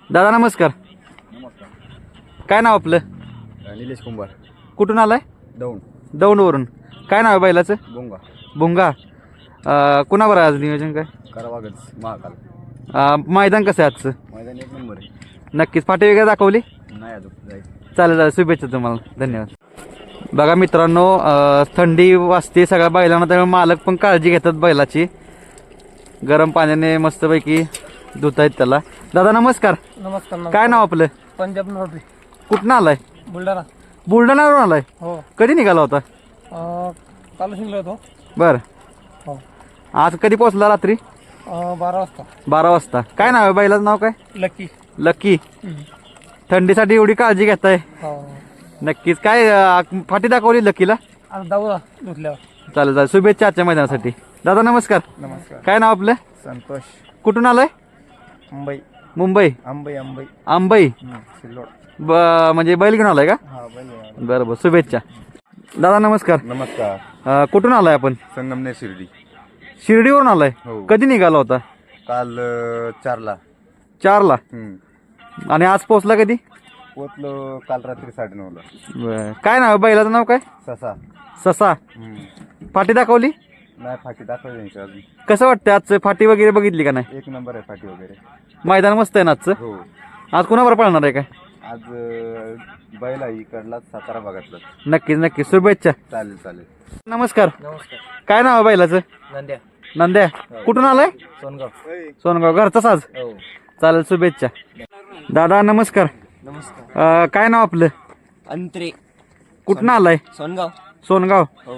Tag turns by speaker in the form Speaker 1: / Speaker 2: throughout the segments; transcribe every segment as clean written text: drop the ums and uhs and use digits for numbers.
Speaker 1: दादा नमस्कार.
Speaker 2: नमस्कार.
Speaker 1: काय नाव आपलं?
Speaker 2: निलेश कुंभार.
Speaker 1: कुठून आलाय?
Speaker 2: दौंड.
Speaker 1: दौंडवरून. काय नाव आहे बैलाचं?
Speaker 2: बोंगा.
Speaker 1: भुंगा. कुणावर आहे आज नियोजन काय?
Speaker 2: करावागच महाकाल.
Speaker 1: मैदान कसं आहे आजचं?
Speaker 2: मैदान एक नंबर आहे.
Speaker 1: नक्कीच फाटी वगैरे दाखवली?
Speaker 2: नाही अजून जायचं.
Speaker 1: चालेल चालेल, शुभेच्छा तुम्हाला, धन्यवाद. बघा मित्रांनो, थंडी वाजते सगळ्या बैलांना, त्यामुळे मालक पण काळजी घेतात बैलाची. गरम पाण्याने मस्तपैकी धुत आहेत त्याला. दादा नमस्कार.
Speaker 3: नमस्कार.
Speaker 1: काय नाव आपलं?
Speaker 3: पंजाब नोटरी,
Speaker 1: कुठनं आलाय?
Speaker 3: बुलढाणा.
Speaker 1: बुलढाण्यावरून आलाय?
Speaker 3: हो.
Speaker 1: कधी निघाला होता?
Speaker 3: काल शिकलो होतो.
Speaker 1: बर.
Speaker 3: हो.
Speaker 1: आज कधी पोहोचला? रात्री
Speaker 3: 12 वाजता.
Speaker 1: 12 वाजता. काय नाव आहे बैलाचं? नाव काय?
Speaker 3: लकी.
Speaker 1: लकी. थंडीसाठी एवढी काळजी घेताय?
Speaker 3: हो.
Speaker 1: नक्कीच. काय फाटी दाखवली लकीला?
Speaker 3: आज दाऊला धुतल्यावर.
Speaker 1: चालेल चालेल, शुभेच्छा आजच्या मैदानासाठी. दादा नमस्कार.
Speaker 3: नमस्कार.
Speaker 1: काय नाव आपलं?
Speaker 3: संतोष.
Speaker 1: कुठून आलाय?
Speaker 3: मुंबई.
Speaker 1: मुंबई.
Speaker 3: अंबई.
Speaker 1: आंबई.
Speaker 3: सिल्लोड.
Speaker 1: म्हणजे बैल घेऊन आलाय का?
Speaker 3: हा, बैल.
Speaker 1: बरं बरं, शुभेच्छा. दादा नमस्कार.
Speaker 2: नमस्कार.
Speaker 1: कुठून आलाय आपण?
Speaker 2: संगमनेर शिर्डी.
Speaker 1: शिर्डीवरून आलाय?
Speaker 2: हो.
Speaker 1: कधी निघाला होता?
Speaker 2: काल 4ला.
Speaker 1: 4ला. आणि आज पोहोचला कधी?
Speaker 2: पोचलो काल रात्री 9:30ला.
Speaker 1: बरं. काय नाव आहे बैलाचं? नाव काय?
Speaker 2: ससा.
Speaker 1: ससा. फाटी दाखवली?
Speaker 2: नाही फाटी दाखवली नाही अजून.
Speaker 1: कसं वाटतं आजचं? फाटी वगैरे बघितली का नाही?
Speaker 2: एक नंबर आहे फाटी वगैरे.
Speaker 1: मैदान मस्त आहे ना आजचं?
Speaker 2: हो.
Speaker 1: आज कोणावर पळणार आहे काय?
Speaker 2: आज बैल आहे इकडला सातारा भागातला.
Speaker 1: नक्कीच नक्कीच, शुभेच्छा.
Speaker 2: चालेल चालेल.
Speaker 1: नमस्कार.
Speaker 3: नमस्कार.
Speaker 1: काय नाव आहे बैलाचं?
Speaker 3: नंद्या.
Speaker 1: नंद्या. कुठून आलाय?
Speaker 3: सोनगाव.
Speaker 1: सोनगाव. घरचा साज.
Speaker 3: हो.
Speaker 1: चालेल, शुभेच्छा. दादा नमस्कार.
Speaker 3: नमस्कार.
Speaker 1: काय नाव आपलं?
Speaker 3: अंतरे.
Speaker 1: कुठून आलाय?
Speaker 3: सोनगाव.
Speaker 1: सोनगाव.
Speaker 3: हो.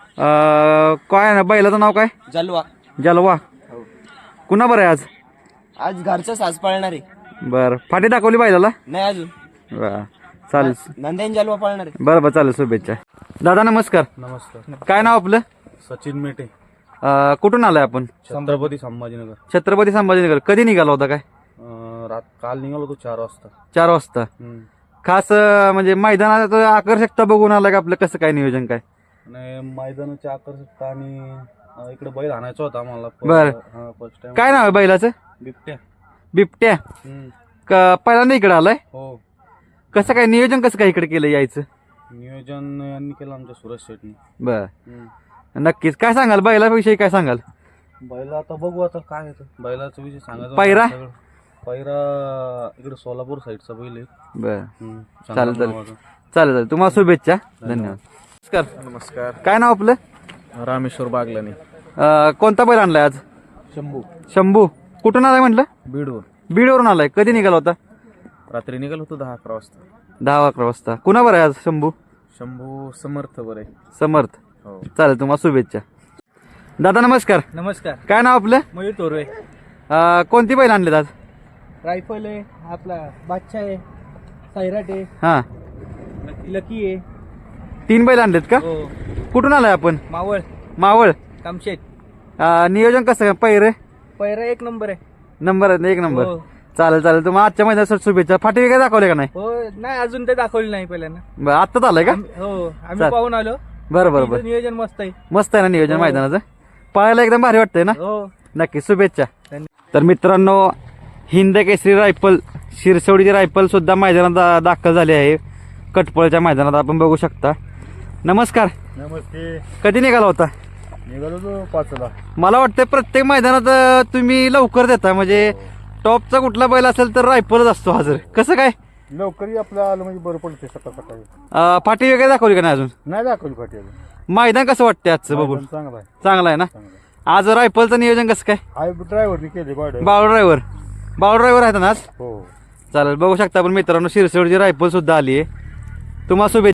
Speaker 1: काय ना बैलाचं नाव काय?
Speaker 3: जलवा.
Speaker 1: जलवा.
Speaker 3: हो.
Speaker 1: कुणा बरं आहे आज?
Speaker 3: आज घरचं साज पळणार आहे.
Speaker 1: बरं. फाटी दाखवली बैलाला?
Speaker 3: नाही अजून.
Speaker 1: बरं, चालेल.
Speaker 3: नंद्यान जलवा पळणार आहे.
Speaker 1: बरं बरं, चालेल, शुभेच्छा. दादा नमस्कार.
Speaker 4: नमस्कार.
Speaker 1: काय नाव आपलं?
Speaker 4: सचिन मेटे.
Speaker 1: कुठून आलाय आपण?
Speaker 4: छत्रपती संभाजीनगर.
Speaker 1: छत्रपती संभाजीनगर. कधी निघाला होता काय?
Speaker 4: काल निघालो होतो 4 वाजता.
Speaker 1: 4 वाजता. खास म्हणजे मैदानात आकर्षकता बघून आलाय का? आपलं कसं काय नियोजन काय?
Speaker 4: आणि मैदानाची आकर्षकता आणि इकडे बैल आणायचा होता आम्हाला.
Speaker 1: बरं.
Speaker 4: First time.
Speaker 1: काय नाव आहे बैलाचं?
Speaker 4: बिबट्या.
Speaker 1: बिबट्या. पहिल्यांदा इकडे आलाय?
Speaker 4: हो.
Speaker 1: कसं काय नियोजन, कसं काय इकडे केलं यायचं?
Speaker 4: नियोजन यांनी केलं आमच्या सुरेश शेटनी.
Speaker 1: बर. नक्कीच. काय सांगाल बैलाविषयी? काय सांगाल?
Speaker 4: बैल आता बघू आता काय येतं. बैलाचा विषय सांगायचा.
Speaker 1: पायरा?
Speaker 4: पायरा इकडे सोलापूर साईडचा बैल आहे.
Speaker 1: बर.
Speaker 4: चालेल
Speaker 1: चालेल चालेल, तुम्हाला शुभेच्छा, धन्यवाद. नमस्कार.
Speaker 4: नमस्कार.
Speaker 1: काय नाव आपलं?
Speaker 4: रामेश्वर बागलानी.
Speaker 1: कोणता बैल आणलाय आज?
Speaker 4: शंभू.
Speaker 1: शंभू. कुठून आलाय म्हटलं?
Speaker 4: बीडवर.
Speaker 1: बीडवरून आलाय. कधी निघाला होता?
Speaker 4: रात्री निघालो होतो 10-11 वाजता.
Speaker 1: 10-11 वाजता. कुणावर आहे आज शंभू?
Speaker 4: शंभू समर्थ बरे.
Speaker 1: समर्थ.
Speaker 4: हो.
Speaker 1: चालेल, तुम्हाला शुभेच्छा. दादा नमस्कार.
Speaker 3: नमस्कार.
Speaker 1: काय नाव आपलं?
Speaker 3: मयूर तोरवे.
Speaker 1: कोणती बैल आणलेत आज?
Speaker 3: रायफल आहे आपला, बादशाह आहे, सैराट आहे,
Speaker 1: हा,
Speaker 3: लकी आहे.
Speaker 1: 3 बैल आणलेत का?
Speaker 3: हो.
Speaker 1: कुठून आलाय आपण?
Speaker 3: मावळ.
Speaker 1: मावळ.
Speaker 3: कामशेत.
Speaker 1: नियोजन कसं काय? पैरे
Speaker 3: पैरा एक नंबर आहे.
Speaker 1: नंबर आहे, 1 नंबर.
Speaker 3: हो.
Speaker 1: चालेल चालेल, तुम्हाला आजच्या मैदानासाठी शुभेच्छा. फाटी वगैरे दाखवले का नाही?
Speaker 3: हो. नाही अजून ते दाखवली नाही पहिल्यांदा.
Speaker 1: बरं, आत्ताच आलाय का?
Speaker 3: हो, आम्ही
Speaker 1: चाल.
Speaker 3: पाहून आलो.
Speaker 1: बरं बरं बरं.
Speaker 3: तिथं नियोजन मस्त आहे.
Speaker 1: मस्त आहे ना नियोजन
Speaker 3: हो.
Speaker 1: मैदानाचं? पळायला एकदम भारी वाटतंय ना?
Speaker 3: हो.
Speaker 1: नक्की, शुभेच्छा.
Speaker 3: धन्यवाद.
Speaker 1: तर मित्रांनो, हिंद केसरी रायफल शिरसवडीची रायफल सुद्धा मैदानात दाखल झाली आहे. कटपळच्या मैदानात आपण बघू शकता. नमस्कार.
Speaker 4: नमस्ते.
Speaker 1: कधी निघाला होता?
Speaker 4: निघालो तो 5ला.
Speaker 1: मला वाटतं प्रत्येक मैदानात तुम्ही लवकर देता, म्हणजे टॉपचा कुठला बैल असेल तर रायफलच असतो हजर. कसं काय?
Speaker 4: लवकरही आपलं आलं म्हणजे बरं पडते सकाळ सकाळी.
Speaker 1: फाटी वगैरे दाखवली का नाही अजून?
Speaker 4: नाही दाखवली फाटी अजून.
Speaker 1: मैदान कसं वाटतंय आजचं बघून?
Speaker 4: चांगला आहे.
Speaker 1: चांगलं आहे ना? आज रायफलचं नियोजन कसं काय?
Speaker 4: हाय ड्रायव्हरनी केली भाडं.
Speaker 1: बावळ ड्रायव्हर आहेत ना आज?
Speaker 4: हो.
Speaker 1: चालेल, बघू शकता आपण मित्रांनो, शिरसवडची रायफल सुद्धा आली आहे. तुम्हाला शुभेच्छा.